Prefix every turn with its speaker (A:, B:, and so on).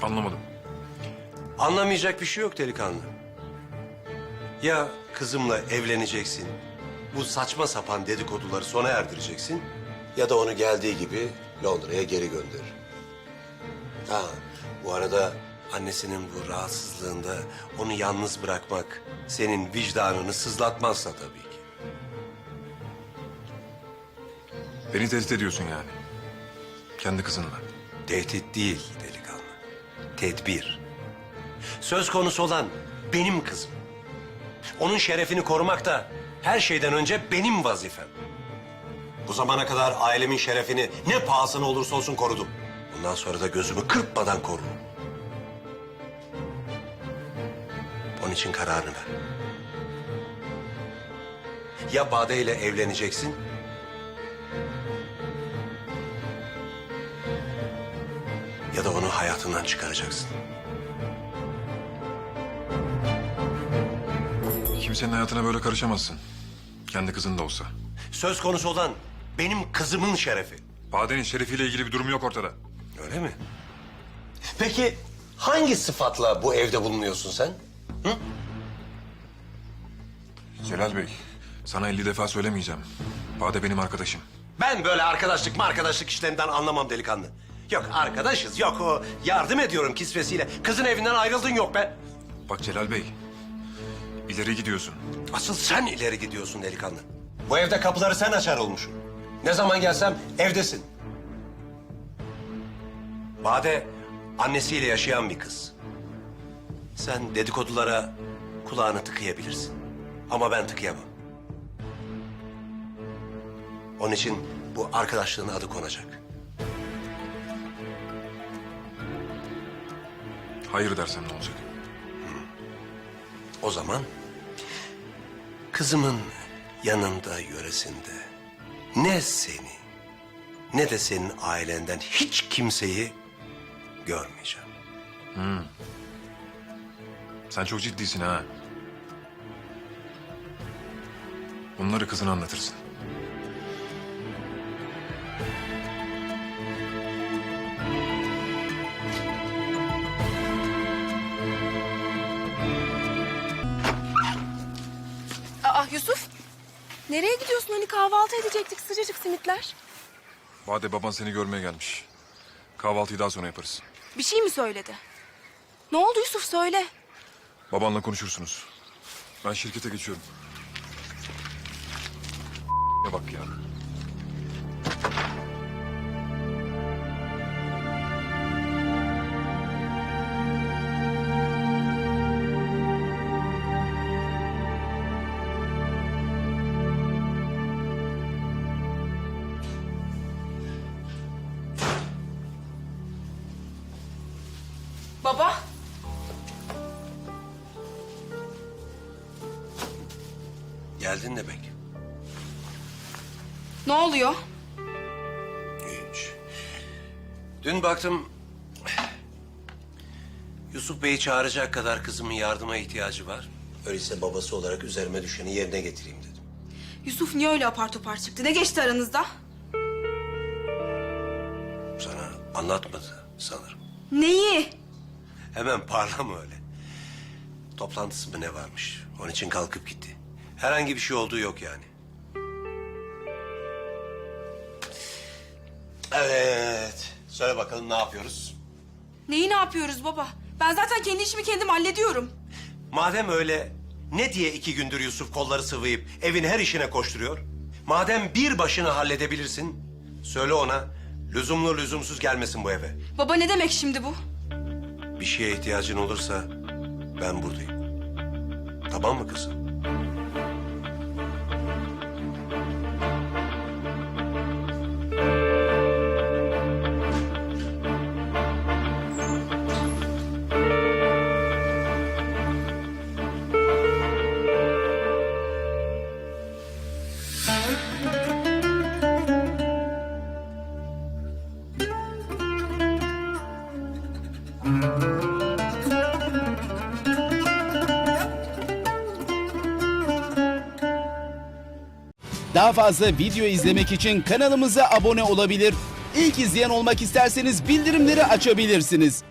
A: Anlamadım.
B: Anlamayacak bir şey yok delikanlı. Ya kızımla evleneceksin, bu saçma sapan dedikoduları sona erdireceksin... ...ya da onu geldiği gibi Londra'ya geri gönder. Ha, bu arada annesinin bu rahatsızlığında onu yalnız bırakmak... ...senin vicdanını sızlatmazsa tabii ki.
A: Beni tehdit ediyorsun yani. Kendi kızınla.
B: Tehdit değil delikanlı, tedbir. Söz konusu olan benim kızım. Onun şerefini korumak da her şeyden önce benim vazifem. Bu zamana kadar ailemin şerefini ne pahasına olursa olsun korudum. Bundan sonra da gözümü kırpmadan korurum. Onun için kararını ver. Ya Bade ile evleneceksin... ...ya da onu hayatından çıkaracaksın.
A: Kimsenin hayatına böyle karışamazsın. Kendi kızın da olsa.
B: Söz konusu olan benim kızımın şerefi.
A: Bade'nin şerefiyle ilgili bir durum yok ortada.
B: Öyle mi? Peki hangi sıfatla bu evde bulunuyorsun sen? Hı?
A: Celal Bey, sana 50 defa söylemeyeceğim. Bade benim arkadaşım.
B: Ben böyle arkadaşlık işlerinden anlamam delikanlı. Yok arkadaşız, yok o yardım ediyorum kisvesiyle. Kızın evinden ayrıldın yok be.
A: Bak Celal Bey, ileri gidiyorsun.
B: Asıl sen ileri gidiyorsun delikanlı. Bu evde kapıları sen açar olmuşsun. Ne zaman gelsem evdesin. Bade annesiyle yaşayan bir kız. Sen dedikodulara kulağını tıkayabilirsin. Ama ben tıkayamam. Onun için bu arkadaşlığın adı konacak.
A: Hayır dersem ne olacak?
B: O zaman kızımın yanında, yöresinde ne seni ne de senin ailenden hiç kimseyi görmeyeceğim.
A: Sen çok ciddisin ha. Bunları kızına anlatırsın.
C: Aa Yusuf, nereye gidiyorsun? Hani kahvaltı edecektik, sıcacık simitler.
A: Bade baban seni görmeye gelmiş. Kahvaltıyı daha sonra yaparız.
C: Bir şey mi söyledi? Ne oldu Yusuf, söyle.
A: Babanla konuşursunuz. Ben şirkete geçiyorum. Ne bak ya.
C: Baba.
B: Geldin demek.
C: Ne oluyor?
B: Hiç. Dün baktım Yusuf Bey'i çağıracak kadar kızımın yardıma ihtiyacı var. Öyleyse babası olarak üzerime düşeni yerine getireyim dedim.
C: Yusuf niye öyle apar topar çıktı? Ne geçti aranızda?
B: Sana anlatmadı sanırım.
C: Neyi?
B: Hemen parlama öyle. Toplantısı mı ne varmış? Onun için kalkıp gitti. Herhangi bir şey olduğu yok yani. Evet. Söyle bakalım ne yapıyoruz?
C: Neyi ne yapıyoruz baba? Ben zaten kendi işimi kendim hallediyorum.
B: Madem öyle ne diye 2 gündür Yusuf kolları sıvayıp evin her işine koşturuyor? Madem bir başına halledebilirsin, söyle ona lüzumlu lüzumsuz gelmesin bu eve.
C: Baba ne demek şimdi bu?
B: Bir şeye ihtiyacın olursa ben buradayım. Tamam mı kızım?
D: Daha fazla video izlemek için kanalımıza abone olabilir. İlk izleyen olmak isterseniz bildirimleri açabilirsiniz.